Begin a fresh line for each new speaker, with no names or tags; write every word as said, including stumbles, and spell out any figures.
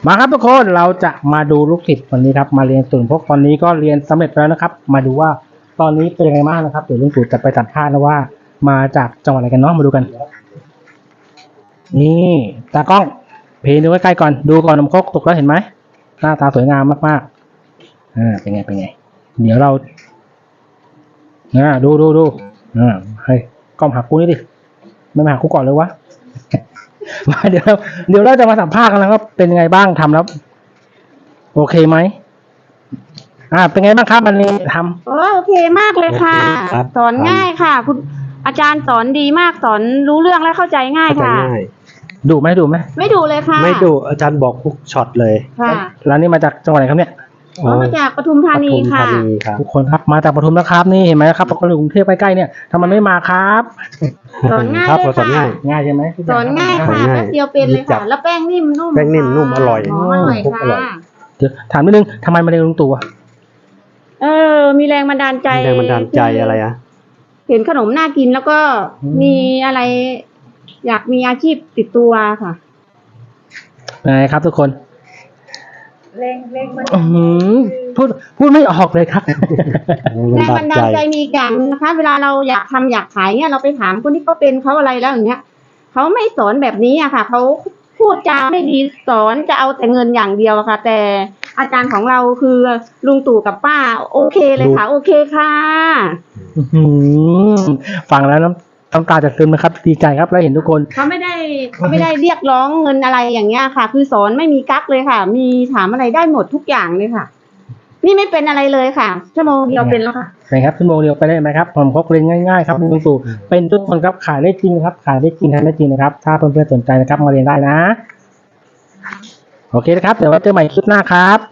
มาครับทุกคนเราจะมาดูลูกศิษย์วันนี้ครับมาเรียนศูนย์พกตอนนี้ก็เรียนสำเร็จแล้วนะครับมาดูว่าตอนนี้เป็นยังไงบ้างนะครับเดี๋ยวลุงตู่จะไปสัมภาษณ์นะว่ามาจากจังหวัดอะไรกันเนาะมาดูกันนี่ตากล้องเพลดูใกล้ๆก่อนดูก่อนนมครกตกแล้วเห็นไหมหน้าตาสวยงามมากๆอ่าเป็นไงเป็นไงเดี๋ยวเราอ่าดูดูดูอ่าเฮ้ยกล้องหากูนี่ดิไม่มาหากูก่อนเลยวะ มาเดี๋ยวเราเดี๋ยวเราจะมาสัมภาษณ์กันแล้วว่าเป็นยังไงบ้างทำแล้วโอเคไหมอ่าเป็นไงบ้างครับวันนี้ทำ
โอ้โอเคมากเลยค่ะ สอนง่ายค่ะ คุณอาจารย์สอนดีมากสอนรู้เรื่องและเข้าใจง่าย
เข้าใจ
ค่ะ
ง่าย
ดุไหมดุไหม
ไม่ดูเลยค่ะ
ไม่ดุอาจารย์บอกทุกช็อตเลย
ค่ะ
แล้วนี่มาจากจังหวัดไหนครับเนี่ย
อ๋อมาจากปทุมธานี
ปทุม
ค่ะ
ธานีครับ
ทุกคนครับมาจากปทุมนะครับนี่เห็นไหมครับคนอยู่กรุงเทพใกล้ๆเนี่ยทำไมไม่มาครับ
สอนง่าย
ครับ
เลย
เราสอน
ค่ะ
ง่าย
ง่ายใช่ไหม
สอนง่าย
สอ
ค่ะ
นง่าย
แป๊บเดียวเป็นเลย
จั
ค่ะ
บ
แล้วแป้งนิ่มนุ่ม
แป้งนิ่มนุ่มอร่อย
หอมอร่อย
พวกอร่
ค่ะ
อย
เดี๋ยวถามนิดนึงทำไมมาเรียนลุงตู่อะ
เออ มีแรงบันดาลใจ
มีแรงบันดาลใจอะไรอะ
เห็นขนมน่ากินแล้วก็มีอะไร อยากมีอาชีพติดตัวค่ะ
ยังไงครับทุกคน
แรงแรงบัน
อื้อหือพูดพูดไม่ออกเลยครับ
แรงบันดาลใจมีกันนะคะ เวลาเราอยากทำอยากขายเนี่ยเราไปถามคนที่เขาเป็นเขาอะไรแล้วอย่างเงี้ยเขาไม่สอนแบบนี้อะค่ะเขาพูดจาไม่ดีสอนจะเอาแต่เงินอย่างเดียวอะค่ะ แต่อาจารย์ของเราคือลุงตู่กับป้า โอเคเลยค่ะ โอเคค่ะ
อื้อหือฟังแล้วน้ำน้ำตาจะซึมนะครับดีใจครับแล้วเห็นทุกคน
เขาไม่ได้เขาไม่ได้เรียกร้องเงินอะไรอย่างเงี้ยค่ะ คือสอนไม่มีกั๊กเลยค่ะ มีถามอะไรได้หมดทุกอย่างเลยค่ะ นี่ไม่เป็นอะไรเลยค่ะชั่วโมงเดียวเป็นแล้วค่ะ
นะครับชั่วโมงเดียวไปได้ไหมครับผมเขาเรียนง่ายๆครับลุงตู่เป็นทุกคนครับขายได้จริงครับขายได้จริงทำได้จริงนะครับถ้าเพื่อนๆสนใจนะครับมาเรียนได้นะโอเคนะครับเดี๋ยวไว้เจอใหม่คลิปหน้าครับ